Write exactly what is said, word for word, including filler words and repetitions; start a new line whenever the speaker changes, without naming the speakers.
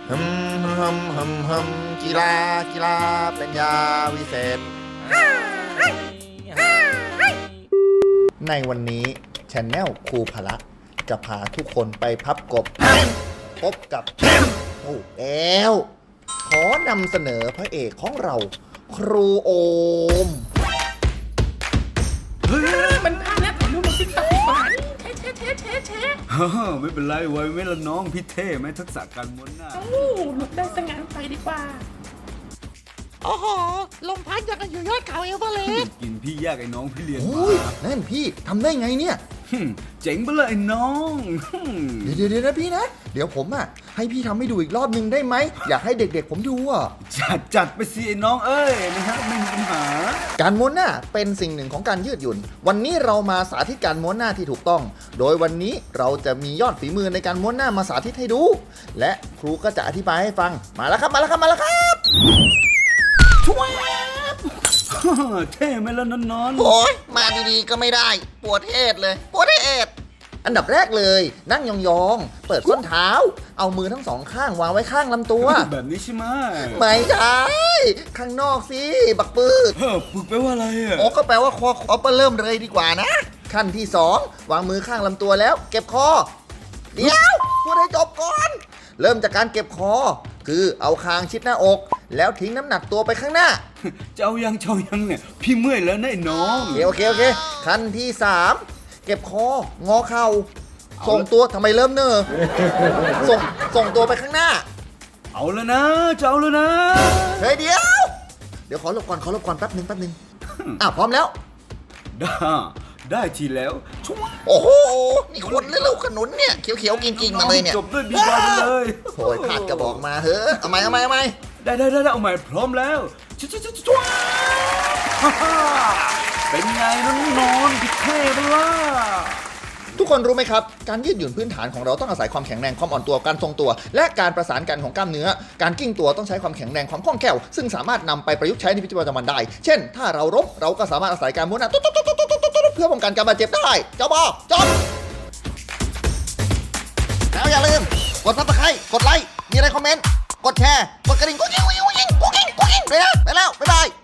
ฮึมฮึมฮึมฮึมกีฬากีฬาเป็นยาวิเศษ ในวันนี้ชาแนลครูพละจะพาทุกคนไปพับกบพบกับโอ้แล้วขอนำเสนอพระเอกของเรา ครูโอม
เฮ้ยมันพลาดแล้วถ่ายรูปลงติ๊กต็อกดีกว่านี่แชะแชะแชะแชะ
ฮ่าไม่เป็นไรไว้ไม่ละน้องพี่เท่ไหมทักษะการม้วนหน้า
เอ้าหลุดได้สงั้นไปดีกว่า
โอ้โห ลมพัดยังกันอยู่ยอดเขาเอเวอเรสต์
กินพี่ยากไอ้น้องพี่เลี้ยง
โอ้
มาย
นั่นพี่ทำได้ไงเนี่ย
หึ่มเจ๋งไปเลยไอ้น้องหึ่ม
เดี๋ยวเดี๋ยวเดี๋ยวนะพี่นะ เดี๋ยวผมอ่ะให้พี่ทำให้ดูอีกรอบนึงได้ไหม อยากให้เด็กๆผมดูอ่ะ
จัดจัดไปสิไอ้น้องเอ้ยนะฮะไม่มีปัญหา
การม้วนหน้าเป็นสิ่งหนึ่งของการยืดหยุ่น วันนี้เรามาสาธิตการม้วนหน้าที่ถูกต้อง โดยวันนี้เราจะมียอดฝีมือในการม้วนหน้ามาสาธิตให้ดู และครูก็จะอธิบายให้ฟัง มาแล้วครับมาแล้วครับมาแล้วครับ
ช่วยฮ่าเท่ไหมล่ะนอนนอน
โอ้ยมาดีๆก็ไม่ได้ ปวดเอดเลย ปวดเอด
อันดับแรกเลย นั่งยองๆ เปิดส้นเท้า เอามือทั้งสองข้างวางไว้ข้างลำตัว
แบบนี้ใช่ไหม
ไม่ใช่ข้างนอกสิ บักปืด
เฮ้อปึกแปลว่าอะไรอ่ะ
โอ้ก็แปลว่าคอคอเปเริ่มเลยดีกว่านะ ขั้นที่สองวางมือข้างลำตัวแล้ว เก็บคอ เดี๋ยวพูดให้จบก่อน เริ่มจากการเก็บคอ คือเอาคางชิดหน้าอก แล้วทิ้งน้ำหนักตัวไปข้างหน้า
เจ้ายังเจ้ายังเนี่ยพี่เมื่อยแล้วนะไอ้น้อง
โอเคโอเคโอเคขั้นที่สามเก็บคองอเข่าส่งตัวทำไมเริ่มเนอส่งส่งตัวไปข้างหน้า
เอาแล้วนะเจ้าแล้วนะ
เฮ้ยเดี๋ยว เดี๋ยวขอหลบก่อนขอหลบก่อนแป๊บหนึงแป๊บหนึงอ่ะพร้อมแล้ว
ได้ได้ทีแล้วช่วย
โอ้โหนี่คนหรือลูกขนุนเนี่ยเขียวๆกินๆมาเลยเนี่ย
จบด้วยบีบอยไปเลย
โอยพลาดกระบอกมาเฮ้ยเอาไหมเอาไหมเอาไหม
ได้ได้ได้ได้เอาใหม่พร้อมแล้วชุดชุดชุดชุดฮ่าฮ่าเป็นไงน้องนอนพี่เท่ปะล่ะ
ทุกคนรู้ไหมครับ การยืดหยุ่นพื้นฐานของเราต้องอาศัยความแข็งแรงความอ่อนตัวการทรงตัว และการประสานกันของกล้ามเนื้อ การกิ้งตัวต้องใช้ความแข็งแรงความคล่องแคล่วซึ่งสามารถนำไปประยุกต์ใช้ในชีวิตประจำวันได้ เช่น ถ้าเราล้มเราก็สามารถอาศัยการม้วนหน้าตุ๊ดตุ๊ดตุ๊ดตุ๊ดตุ๊ดตุ๊ดเพื่อป้องกันการบาดเจ็บได้เจ้าบอกจบแล้วอย่าลืมกดซับสไครต์กดไลค์มีอะไรคอมเมนต์กดแชร์กดกระดิ่งกุ๊กกิ๊งกุ๊กกิ๊งกุ๊กกิ๊งกุ๊กกิ๊งเลยนะไปแล้วบ๊ายบาย